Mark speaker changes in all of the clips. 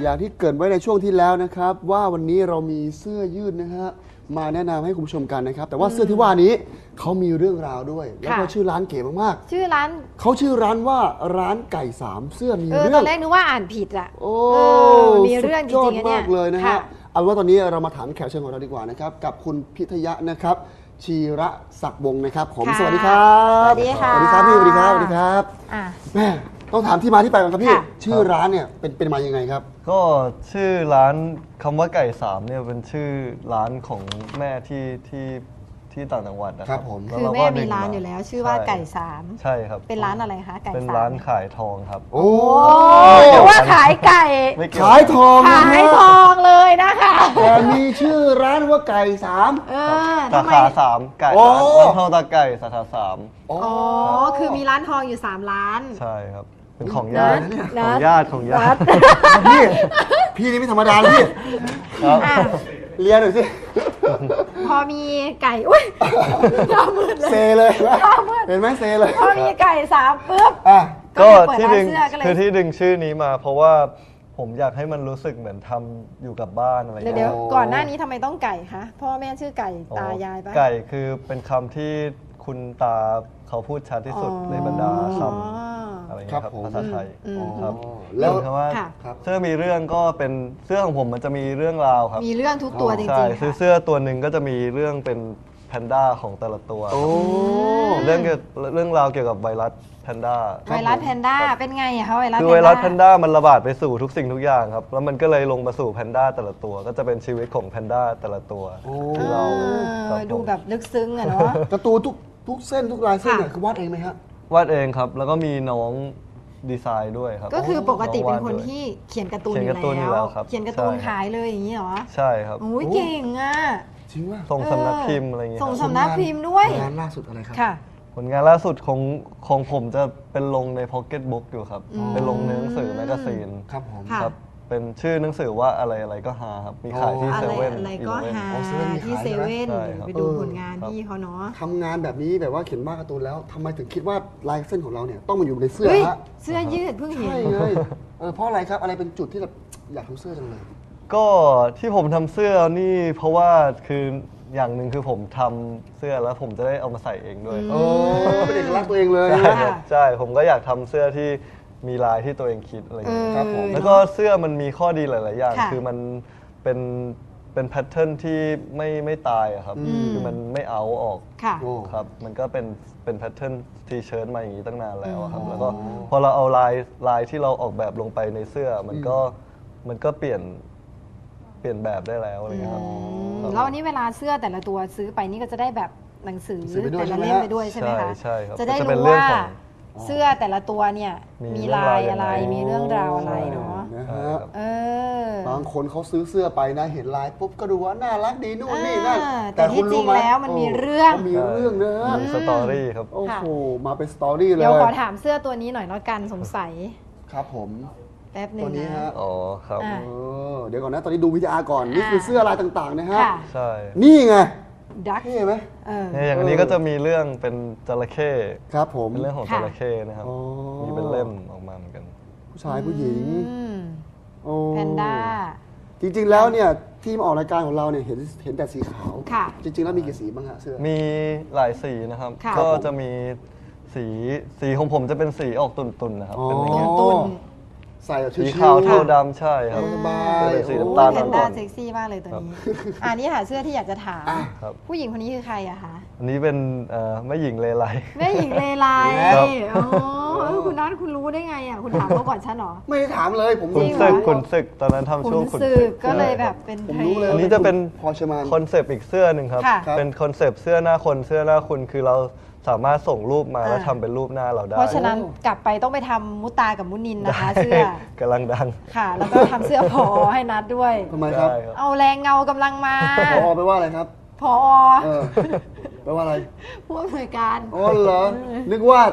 Speaker 1: อย่างที่เกริ่นไว้ในช่วงที่แล้วนะครับว่าวันนี้เรามีเสื้อยืดนะฮะมาแนะนำให้คุณผู้ชมกันนะครับแต่ว่าเสื้อที่ว่านี้เขามีเรื่องราวด้วยแล้วก็ชื่อร้านเก๋มาก
Speaker 2: ๆชื่อร้าน
Speaker 1: เขาชื่อร้านว่าร้านไก่สามเสื้อมีเรื่อง
Speaker 2: ตอนแรกนึกว่าอ่านผิดอะ
Speaker 1: โอ้
Speaker 2: มีเรื่องจริงๆเนี่ย
Speaker 1: มากเลยนะฮะเอาว่าตอนนี้เรามาถามแขกเชิญของเราดีกว่านะครับกับคุณพิทยะนะครับชีระศักดิ์วงศ์นะครับผมสวัสดีครับ
Speaker 2: สวัสดีค่ะ
Speaker 1: สวัสดีครับพี่สวัสดีครับสวัสดีครับแม่ต้องถามที่มาที่ไปก่อนครับพี่ชื่อร้านเนี่ยเป็นมายังไงครับ
Speaker 3: ก็ชื่อร้านคำว่าไก่สามเนี่ยเป็นชื่อร้านของแม่ที่ต่างจังหวัดนะครับ
Speaker 1: ผม
Speaker 2: คือแม่มีร้านอยู่แล้วชื่อว่าไก่สาม
Speaker 3: ใช่ครับ
Speaker 2: เป็นร้านอะไรคะไก่สาม
Speaker 3: เป็นร้านขายทองครับ
Speaker 1: โอ้
Speaker 2: หรือว่าขายไก่
Speaker 1: ขายทอง
Speaker 2: ขายทองเลยนะคะ
Speaker 1: แต่มีชื่อร้านว่าไก่สาม
Speaker 3: สาขาสามไก่ร้านทองตาไก่สาขาสาม
Speaker 2: อ๋อคือมีร้านทองอยู่3ร้าน
Speaker 3: ใช่ครับเป็นของญาติของญาติ
Speaker 1: พี่นี่ไม่ธรรมดาพี่เรียนหน่อยสิ
Speaker 2: พอมีไก่อุ้ยหน้ามืดเลย
Speaker 1: เซเลยเห็นไหมเซเลย
Speaker 2: พอมีไก่3ปุ๊บ
Speaker 3: ก็ที่ดึงคือที่ดึงชื่อนี้มาเพราะว่าผมอยากให้มันรู้สึกเหมือนทำอยู่กับบ้านอะไรอย่างเงี้ย
Speaker 2: เดี๋ยวก่อนหน้านี้ทำไมต้องไก่คะพ่อแม่ชื่อไก่ตายายปะ
Speaker 3: ไก่คือเป็นคำที่คุณตาเขาพูดชัดที่สุดในบรรดาคำอะไรเงี้ยครับภาษาไทยครับแล้วคำว่าเสื้อมีเรื่องก็เป็นเสื้อของผมมันจะมีเรื่องราวครับ
Speaker 2: มีเรื่องทุกตัวจริงๆ
Speaker 3: ใช่เสื้อตัวหนึ่งก็จะมีเรื่องเป็นแพนด้าของแต่ละตัวเรื่องราวเกี่ยวกับไวรัสแพนด้า
Speaker 2: เป็นไงอะคะไวรัส
Speaker 3: คือไวรัสแพนด้ามันระบาดไปสู่ทุกสิ่งทุกอย่างครับแล้วมันก็เลยลงมาสู่แพนด้าแต่ละตัวก็จะเป็นชีวิตของแพนด้าแต่ละตัวที่เรา
Speaker 2: ดูแบบลึกซึ้งอะเนาะ
Speaker 1: การ์ตูนทุกเส้นทุกลายเส้นเนี่ยคือวาดเองไหมครับ
Speaker 3: วาดเองครับแล้วก็มีน้องดีไซน์ด้วยครับ
Speaker 2: ก็คือปกติเป็นคนที่เขียนการ์ตูนอยู่แล้วเขียนการ์ตูนขายเลยอย่างนี้เหรอ
Speaker 3: ใช่ครับ
Speaker 2: โอ้ยเก่งอ่ะ
Speaker 1: จริงว่า
Speaker 3: ส่งสำนักพิมพ์อะไรอย่างเงี้ย
Speaker 2: ส่งสำนักพิมพ์ด้วย
Speaker 1: งานล่าสุดอะไรครับ
Speaker 2: ค่ะ
Speaker 3: ผลงานล่าสุดของผมจะเป็นลงในพ็อกเก็ตบุ๊กอยู่ครับเป็นลงในหนังสือแมกกาซีน
Speaker 1: ครับผม
Speaker 3: ครับเป็นชื่อหนังสือว่าอะไรก็ฮาครับมีขายที่เซเว่น
Speaker 2: อะไรก็ฮาที่เซเว่นไปดูผลงานพี่เขาเนาะ
Speaker 1: ทำงานแบบนี้แบบว่าเขียนวาดการ์ตูนแล้วทำไมถึงคิดว่าลายเส้นของเราเนี่ยต้องมาอยู่ในเสื้อฮะ
Speaker 2: เสื้อยืดเพิ่งเห็น
Speaker 1: ใช่เลยเพราะอะไรครับอะไรเป็นจุดที่แบบอยากทำเสื้อจังเลย
Speaker 3: ก็ที่ผมทำเสื้อนี่เพราะว่าคืออย่างหนึ่งคือผมทำเสื้อแล้วผมจะได้เอามาใส่เองด้วย
Speaker 1: เป็นเอกลักษณ์ตัวเองเลย
Speaker 3: ใช่ผมก็อยากทำเสื้อที่มีลายที่ตัวเองคิดอะไรอย่างเงี้ยครับผมแล้วก็เสื้อมันมีข้อดีหลายๆอย่างคือมันเป็นแพทเทิร์นที่ไม่ตายอะครับคือมันไม่เอาออกครับมันก็เป็นแพทเทิร์นทีเชิ้ตมาอย่างนี้ตั้งนานแล้วครับแล้วก็พอเราเอาลายที่เราออกแบบลงไปในเสื้อมันก็เปลี่ยนแบบได้แล้วอะไรเงี้ยครับ
Speaker 2: แล้ววันนี้เวลาเสื้อแต่ละตัวซื้อไปนี่ก็จะได้แบบหนังสือแต่ละเล่มไปด้วยใช่ไหมคะ
Speaker 3: ใช่ครับ
Speaker 2: จะได้รู้ว่าเสื้อแต่ละตัวเนี่ยมีลายอะไรมีเรื่องราวอะไรเนาะ
Speaker 1: บางคนเขาซื้อเสื้อไปนะเห็นลายปุ๊บก็ดูว่าน่ารักดีนู่นนี่นั่น
Speaker 2: แต่ที่จริงแล้วมันมีเรื่อง
Speaker 1: นะ
Speaker 3: มีสตอรี่ครับ
Speaker 1: โอ้โหมาเป็นสตอรี่เลย
Speaker 2: เดี๋ยวขอถามเสื้อตัวนี้หน่อยแล้วกันสงสัย
Speaker 1: ครับผม
Speaker 2: แป๊บนึงนะ
Speaker 3: อ๋อครับ
Speaker 1: เดี๋ยวก่อนนะตอนนี้ดูวิทยาก่อนนี่คือเสื้อลายต่างๆนะฮะ
Speaker 3: ใช่
Speaker 1: นี่ไง
Speaker 2: ดัก
Speaker 1: เห็นไหม
Speaker 3: อย่างนี้ก็จะมีเรื่องเป็นจระเข้
Speaker 1: ครับผม
Speaker 3: เป็นเรื่องของจระเข้นะครับมีเป็นเล่มออกมาเหมือนกัน
Speaker 1: ผู้ชายผู้หญิง
Speaker 2: แพนด้า
Speaker 1: จริงๆแล้วเนี่ยที่มาออกรายการของเราเนี่ยเห็นแต่สีขาวจริงๆแล้วมีกี่สีบ้างฮะเสื้อ
Speaker 3: มีหลายสีนะครับก็จะมีสีของผมจะเป็นสีออกตุ่นๆนะครับเป็นอย่างเงี้ย
Speaker 1: ใส่
Speaker 3: สีขาวเทาดำใช่ครับ
Speaker 1: เป็น
Speaker 3: สีน้ำตาล
Speaker 2: อ่อนๆเซ็กซี่มากเลยตัวนี้นี่หาเสื้อที่อยากจะถามผู้หญิงคนนี้คือใครอะคะ
Speaker 3: อันนี้เป็นแม่หญิงเลไล
Speaker 2: แม่หญิงเลไลคุณน้องคุณรู้ได้ไงอะคุณถามเขาก่อนฉันหรอ
Speaker 1: ไม่ได้ถามเลยผม
Speaker 3: ขุนศึกตอนนั้นทำช่วงขุนศึก
Speaker 2: ก็เลยแบบเป็น
Speaker 1: ผมรู้เลย
Speaker 3: อันนี้จะเป็นคอนเซปต์อีกเสื้อหนึ่งครับเป็นคอนเซปต์เสื้อหน้าคนเสื้อหน้าคุณคือเราสามารถส่งรูปมาแล้วทำเป็นรูปหน้าเราได้
Speaker 2: เพราะฉะนั้นกลับไปต้องไปทำมุตากับมุนินนะคะเสื้
Speaker 3: อกำลังดัง
Speaker 2: ค่ะแล้วก็ทำเสื้อพอให้นัดด้วย
Speaker 1: ทำไมครับ
Speaker 2: เอาแรงเงากำลังมา
Speaker 1: พอไปว่าอะไรครับ
Speaker 2: พอ
Speaker 1: แปลว่าอะไร
Speaker 2: ผู้อำนวยการ
Speaker 1: อ๋อเหรอนึกว่า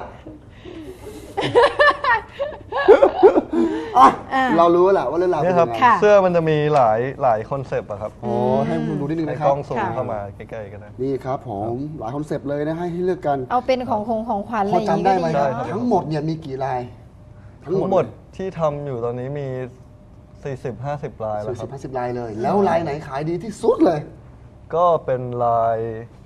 Speaker 1: เรารู้แหละว่าเรื่องราวเป็นยังไ
Speaker 3: งเสื้อมันจะมีหลายคอนเซปต์อะครับ
Speaker 1: ให้คุณดูนิดนึงนะครับ
Speaker 3: กล้องซูมเข้ามาใกล้ๆกันนะ
Speaker 1: นี่ครับผมหลายคอนเซปต์เลยนะให้เลือกกัน
Speaker 2: เอาเป็นของขวัญอะไรอย่าง
Speaker 1: นี้ก็ได้ทั้งหมดเนี่ยมีกี่ลาย
Speaker 3: ทั้งหมดที่ทำอยู่ตอนนี้มี 40-50 ลายแล้วครับ
Speaker 1: 40-50 ลายเลย แล้วลายไหนขายดีที่สุดเลย
Speaker 3: ก็เป็นลาย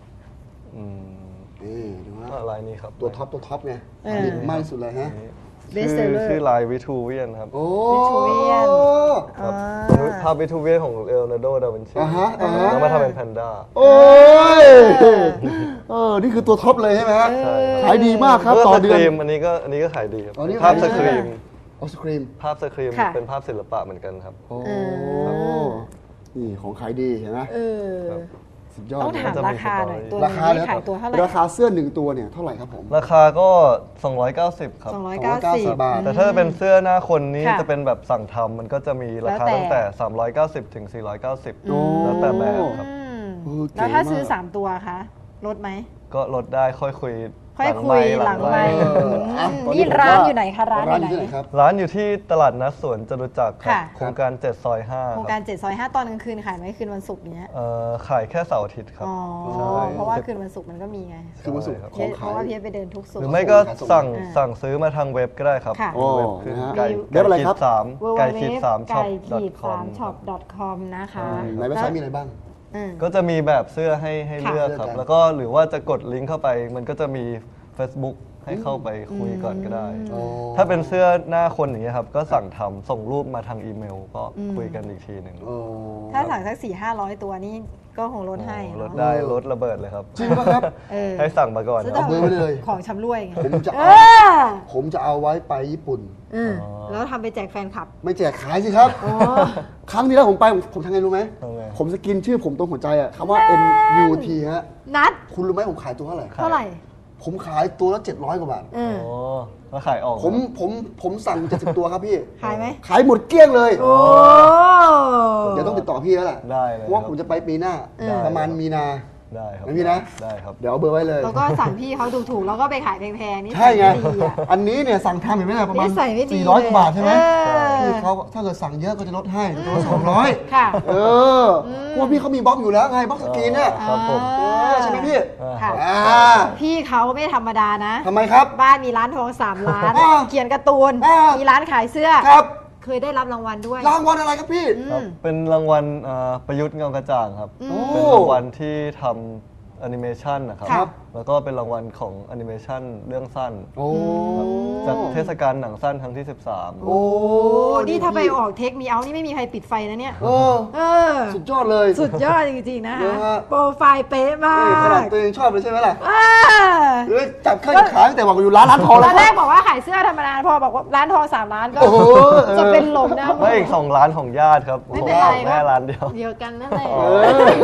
Speaker 1: นี่ดูฮะ
Speaker 3: ก็ลายนี้ครับ
Speaker 1: ตัวท็อปไงขายดีมากที่สุดเลยฮะ
Speaker 3: ชื่อลายวิทูเวียนครับ
Speaker 1: โอ้
Speaker 2: Vitruvian
Speaker 3: ครับภาพวิทูเวียนของเลโอนาร์โด ดาวินชี
Speaker 1: ฮะ
Speaker 3: แล้วมาทำเป็นแพนด้า
Speaker 1: โอ้ยนี่คือตัวท็อปเลยใช่ไหมฮะ
Speaker 3: ใช่ครับ
Speaker 1: ขายดีมากครับต่อเดือน
Speaker 3: สครีมอันนี้ก็ขายดีครับ
Speaker 1: อ๋อนี่
Speaker 3: ภาพ
Speaker 1: ขายดี
Speaker 3: สครีม
Speaker 1: ออสครีม
Speaker 3: ภาพสครีม
Speaker 2: ค่ะ
Speaker 3: เป็นภาพศิลปะเหมือนกันครับ
Speaker 1: โอ้นี่ของขายดีเห็นไหม
Speaker 3: ครับ
Speaker 1: สุดยอด
Speaker 2: ต้องถาม
Speaker 3: จะมี
Speaker 2: ราคาหน่อย
Speaker 3: สตอรี่
Speaker 2: ตัว
Speaker 1: ราคา
Speaker 2: นี้
Speaker 1: แล้ว
Speaker 2: ขายตัวเท่าไหร่
Speaker 1: ราคาเสื้อหนึ่งตัวเนี่ยเท่าไหร่ครับผม
Speaker 3: ราคาก็ 290 ครับ
Speaker 2: 290
Speaker 1: บาท
Speaker 3: แต่ถ้าเป็นเสื้อหน้าคนนี้
Speaker 2: ค่ะ
Speaker 3: จะเป็นแบบสั่งทำมันก็จะมีราคา
Speaker 2: แล้วแต่
Speaker 3: ตั้งแต่ 390 ถึง 490
Speaker 1: โอ้
Speaker 3: แล้วแต่แบบครับ
Speaker 1: เออเก๋
Speaker 2: แล้วถ้าซื้อ
Speaker 1: มาก
Speaker 2: 3 ตัวคะลดไหม
Speaker 3: ก็ลดได้ค่อยคุย
Speaker 2: ค่อยคุยหลังไมค์
Speaker 1: อ่ะตอ
Speaker 2: นี่
Speaker 1: ผม
Speaker 2: ร้าน
Speaker 1: ว่
Speaker 2: อยู่ไหนคะร้านอยู่ไหน
Speaker 1: ที่ไหนครับ
Speaker 3: ร้านอยู่ที่ตลาดนัดสวนจตุจักรครับ
Speaker 2: ค่ะ
Speaker 3: โครงการ 7 ซอย 5
Speaker 2: โครง
Speaker 3: ค
Speaker 2: กา
Speaker 3: รั
Speaker 2: ร
Speaker 3: บ
Speaker 2: 7 ซอย 5 ตอนกลางคืนขายไหมคืนวันศุกร์เนี้ย
Speaker 3: ขายแค่เสาร์อาทิตย์ครับ
Speaker 2: อ๋อ
Speaker 3: ใช่
Speaker 2: เพราะว่าคืนวันศุกร์มันก็มีไง
Speaker 1: คือวันศุกร์
Speaker 3: ใช่ครับ
Speaker 1: ของ
Speaker 2: เพ
Speaker 1: ขาย
Speaker 2: ราะว่าพี่ไปเดินทุกศุก
Speaker 3: หรือ
Speaker 2: ร์
Speaker 3: ไม่ก็
Speaker 1: ส่ง
Speaker 3: สั่งซื้อมาทางเว็บก็ได้ครับ
Speaker 2: ค่ะ
Speaker 3: เว็บคือ
Speaker 1: นะฮะ
Speaker 3: ไก่
Speaker 1: เว็บอะไรครับ
Speaker 3: ขีดสามไก่ขีดสามช็อป
Speaker 2: 3
Speaker 3: com
Speaker 2: shop.com นะคะ
Speaker 1: ในเว็บไซต์มีอะไรบ้าง
Speaker 2: อืม
Speaker 3: ก็จะมีแบบเสื้อให้
Speaker 2: ค่ะ
Speaker 3: เลือกครับ
Speaker 1: เลือกกัน
Speaker 3: แล้วก็หรือว่าจะกดลิงก์เข้าไป มันก็จะมี Facebook ให้เข้าไปคุยก่อนก็ได้
Speaker 1: โอ้
Speaker 3: ถ้าเป็นเสื้อหน้าคนอย่างเงี้ยครับ ก็สั่งทำส่งรูปมาทางอีเมล ก็คุยกันอีกทีหนึ่ง
Speaker 1: โอ้
Speaker 2: ถ้าสั่งสัก 4-500 ตัวนี่ก็คงลดให้
Speaker 3: ลด
Speaker 2: เนาะ
Speaker 3: ได้ลดระเบิดเลยครับ
Speaker 1: จริงป่ะครับ
Speaker 2: เออ
Speaker 3: ให้สั่งมาก่อน
Speaker 2: ซื้อ
Speaker 3: ค
Speaker 2: แต่
Speaker 3: รับ
Speaker 1: เบอร์ไว้เลย
Speaker 2: ของชำร่วยไง
Speaker 1: ผมจะ
Speaker 2: เอ
Speaker 1: เอา
Speaker 2: อ
Speaker 1: ผมจะเอาไว้ไปญี่ปุ่น
Speaker 2: แล้วทำไปแจกแฟนคลับ
Speaker 1: ไม่แจกขายสิครับ ครั้งที่แล้วผมไปผมทำไงรู้ไหม
Speaker 3: ทำไง
Speaker 1: ผมสกินชื่อผมตรงหัวใจอะคำว่า NUT ฮะ
Speaker 2: นัด
Speaker 1: คุณรู้ไหมผมขายตัวเท่าไหร่
Speaker 2: เท่าไหร่
Speaker 1: ผมขายตัวละ700 กว่าบาท
Speaker 2: อืม
Speaker 3: โอ้แล้วขายออก
Speaker 1: ผมสั่ง 70 ตัวครับพี่
Speaker 2: ขายไหม
Speaker 1: ขายหมดเกลี้ยงเลย
Speaker 2: โอ้
Speaker 1: เดี๋ยวต้องติดต่อพี่แล้วแหละ
Speaker 3: ได้เลย
Speaker 1: เพราะว่าผมจะไปปีหน้า ประมาณมีนา
Speaker 3: ได้ครับ
Speaker 1: ไม่มีนะ
Speaker 3: ได้ครับ
Speaker 1: เดี๋ยวเอาเบอร์ไว้เลย
Speaker 2: แล้วก็สั่งพี่เขาถูกๆแล้วก็ไปขายแพงๆนี่
Speaker 1: ใช่ไง
Speaker 2: ม่ดีอะ
Speaker 1: อันนี้เนี่ยสั่งทำเห็นไหมเนี่ยประมาณ
Speaker 2: นิสัยไม่ดี
Speaker 1: 400 กว่าบาทใช่ไหม
Speaker 2: เออ
Speaker 1: พี่เขาถ้าเกิดสั่งเยอะก็จะลดให้ตัวละ200
Speaker 2: ค่ะ
Speaker 1: เออเพราะว่าพี่เขามีบล็อกอยู่แล้วไงบล็อกสกรีนเนี่ย
Speaker 3: ครับผม
Speaker 1: ใช่ไหมพี่
Speaker 2: ค่ะ
Speaker 1: อ่า
Speaker 2: พี่เขาไม่ธรรมดานะ
Speaker 1: ทำไมครับ
Speaker 2: บ้านมีร้านทอง3 ร้าน
Speaker 1: อ่า
Speaker 2: เขียนการ์ตูน
Speaker 1: อ่ามี
Speaker 2: มีร้านขายเสื้อ
Speaker 1: ครับ
Speaker 2: เคยได้รับรางวัลด้วย
Speaker 1: รางวัลอะไรครับพี่
Speaker 3: ครับเป็นรางวัลประยุทธ์เงากระจ่างครับ
Speaker 1: โอ้
Speaker 3: เป็นรางวัลที่ทำแอนิเมชันนะครับ
Speaker 2: ครับ
Speaker 3: แล้วก็เป็นรางวัลของแอนิเมชันเรื่องสั้น
Speaker 1: โอ้
Speaker 3: ครับจากเทศกาลหนังสั้นครั้งที่ 13
Speaker 1: โอ้
Speaker 2: โอ้นี่ถ้าไปออกเทคมีเอานี่ไม่มีใครปิดไฟนะเนี่ย
Speaker 1: เออ
Speaker 2: เออ
Speaker 1: สุดยอดเลย
Speaker 2: สุดยอดจริงๆนะ
Speaker 1: นะ
Speaker 2: คะ
Speaker 1: ฮะ
Speaker 2: โปรไฟล์เป๊ะมา
Speaker 1: นี่ขนาด
Speaker 2: ก
Speaker 1: ตัวเองชอบเลยใช่ไหมล่ะ
Speaker 2: อ่า
Speaker 1: เอ้ยจับข้างขาตั้งแต่บอกอยู่ร้านทอง
Speaker 2: ต
Speaker 1: แล้
Speaker 2: อ
Speaker 1: วน
Speaker 2: แรกบอกว่าขายเสื้อธรรมดาพอบอกว่าร้านทอง3 ร้านก็
Speaker 1: โอ้โห
Speaker 2: จะเป็นลมนะ
Speaker 3: ไม่อีก 2 ร้านของญาติครับ
Speaker 2: ไม่
Speaker 3: ของ
Speaker 2: เป็นไร
Speaker 3: แม่ร้านเดียว
Speaker 2: เดียวกันนั่นแหละ
Speaker 1: เอ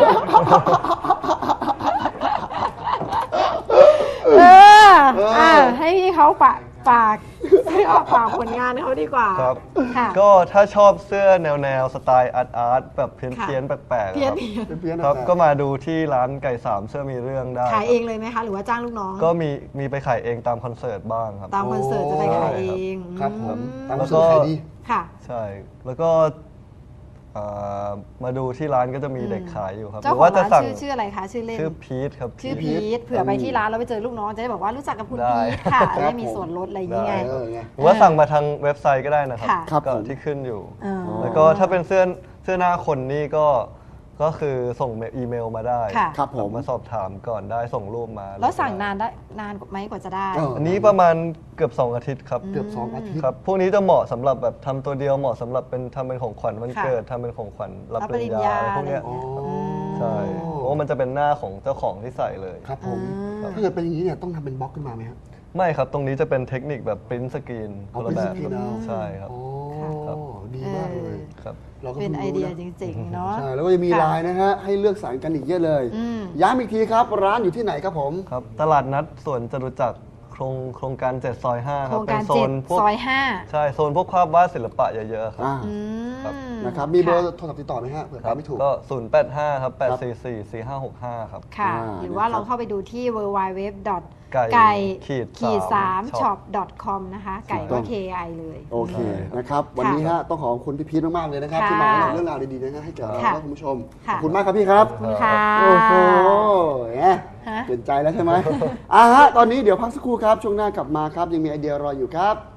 Speaker 1: อ
Speaker 2: เอออ่ะให้พี่เขาฝากให้ออกฝากผลงานเขาดีกว่า
Speaker 3: ครับ
Speaker 2: ค่ะ
Speaker 3: ก็ถ้าชอบเสื้อแนวสไตล์อาร์ตแบบเพี้ยนๆแปลกๆ
Speaker 2: เพี้ยน
Speaker 3: ครับ
Speaker 1: เพี้ยนๆ
Speaker 3: ครับ
Speaker 1: นะ
Speaker 3: ก็มาดูที่ร้านไก่สามเสื้อมีเรื่องได้
Speaker 2: ขายเองเลยไหมคะ หรือว่าจ้างลูกน้อง
Speaker 3: ก็มีไปขายเองตามคอนเสิร์ตบ้างครับ
Speaker 2: ตามคอนเสิร์ตจะไปขายเอง
Speaker 1: ครับผมตาม
Speaker 3: แล้วก็
Speaker 1: สูตรขายดี
Speaker 2: ค่ะ
Speaker 3: ใช่ แล้วก็มาดูที่ร้านก็จะมีเด็กขายอยู่ครับ
Speaker 2: เจ้า
Speaker 3: หรือ
Speaker 2: ของ
Speaker 3: ว่าจะ
Speaker 2: ร้าน
Speaker 3: สั่ง
Speaker 2: ชื่ออะไรคะชื่อเล่น
Speaker 3: ชื่อพีทครับ
Speaker 2: ชื่อพีทเผื่อไปที่ร้านแล้วไปเจอลูกน้องจะได้บอกว่ารู้จักกับคุณ
Speaker 3: ได้
Speaker 2: พีทค่ะ
Speaker 1: ครับ
Speaker 2: จะได้มีส่วนลดอะไรอย่างเงี้ย
Speaker 3: ได้
Speaker 1: เออไง
Speaker 3: หรือว่าสั่งมาทางเว็บไซต์ก็ได้นะครับ
Speaker 2: ค่ะ
Speaker 1: ครับ
Speaker 3: ก็
Speaker 1: ผม
Speaker 3: ที่ขึ้นอยู่
Speaker 2: เออ
Speaker 3: แล้วก็ถ้าเป็นเสื้อหน้าคนนี่ก็คือส่งอีเมลมาได้
Speaker 2: ค่ะ
Speaker 1: ครับผม
Speaker 3: มาสอบถามก่อนได้ส่งรูปมา
Speaker 2: แล้วสั่งนานไหมกว่าจะได้
Speaker 1: เออ
Speaker 3: อันนี้ประมาณเกือบ 2 อาทิตย์ครับ
Speaker 1: เกือบ2 อาทิตย์
Speaker 3: ครับ พวกนี้จะเหมาะสำหรับแบบทำตัวเดียวเหมาะสำหรับทำเป็นของขวัญวัน
Speaker 2: ค่ะ
Speaker 3: เกิดทำเป็นของขวัญรับ
Speaker 2: รับ
Speaker 3: ปริญญา
Speaker 2: ปริญญา
Speaker 3: พวกเนี้ย
Speaker 1: อ๋อ
Speaker 3: ใช่เพราะว่ามันจะเป็นหน้าของเจ้าของที่ใส่เลย
Speaker 1: ครับผม ถ้าเกิดเป็นอย่างนี้เนี่ยต้องทำเป็นบล็อกขึ้นมาไหมครับ
Speaker 3: ไม่ครับ ตรงนี้จะเป็นเทคนิคแบบปริ้นสกรีน
Speaker 1: เอา
Speaker 3: คนละแบบ
Speaker 1: print screen เอา
Speaker 3: ใช่ครับ
Speaker 1: โอ้
Speaker 3: ครับ
Speaker 1: ดีมากเลย
Speaker 3: ครับ
Speaker 1: ราก็
Speaker 2: เป็น
Speaker 1: พิ่ง
Speaker 2: ไอ
Speaker 1: รู้
Speaker 2: เดีย
Speaker 1: นะ
Speaker 2: จริงๆเนาะ
Speaker 1: ใช่แล้วก็จะมี
Speaker 2: ค่ะ
Speaker 1: ไลน์นะฮะให้เลือกสรรกันอีกเยอะเลย
Speaker 2: อืม
Speaker 1: ย้ำอีกทีครับ ร้านอยู่ที่ไหนครับผม
Speaker 3: ครับ ตลาดนัดสวนจตุจักรโครงการ7 ซอย 5
Speaker 2: โค
Speaker 3: ค
Speaker 2: ร
Speaker 3: รับ
Speaker 2: ง
Speaker 3: เป็
Speaker 2: การ
Speaker 3: นโซนพวก
Speaker 2: 7 ซอย
Speaker 3: ใช่โซนพวกภาพวาดศิลปะเยอะๆครับ
Speaker 1: อ่า
Speaker 2: 5อืม
Speaker 3: ครับ
Speaker 1: นะครับ มีเบอร์โทรศัพท์ติดต่อไหมฮะเผื่อ
Speaker 3: ค
Speaker 1: ไป
Speaker 3: รับ
Speaker 1: ไม่ถูก
Speaker 3: ก็ 085 ครับ 844 4565 ครับ
Speaker 2: ค่ะ
Speaker 1: อ่า
Speaker 2: หรือว่า
Speaker 1: นะครับ
Speaker 2: เราเข้าไปดูที่ www.
Speaker 3: ไก่
Speaker 2: ไก่
Speaker 3: ขีด
Speaker 2: 3 shop com นะคะ ไก่ก็ KI เลย
Speaker 1: โอเคนะครับ วันนี้ฮะต้องขอบคุณพี่พีทมากๆเลยนะครับ
Speaker 2: ค่ะ
Speaker 1: ที่มาแนะนำเรื่องราวดีๆนะฮะให้แก่เรา
Speaker 2: ค่ะ
Speaker 1: และคุณผู้ชม ข
Speaker 2: ค่ะ
Speaker 1: อบคุณมากครับพี่ครับ
Speaker 2: ขอบคุณค่ะ
Speaker 1: โอ้โหแหม
Speaker 2: ฮะ
Speaker 1: เปลี่ยนใจแล้วใช่ไหม ตอนนี้เดี๋ยวพักสักครู่ครับ ช่วงหน้ากลับมาครับ ยังมีไอเดียรออยู่ครับ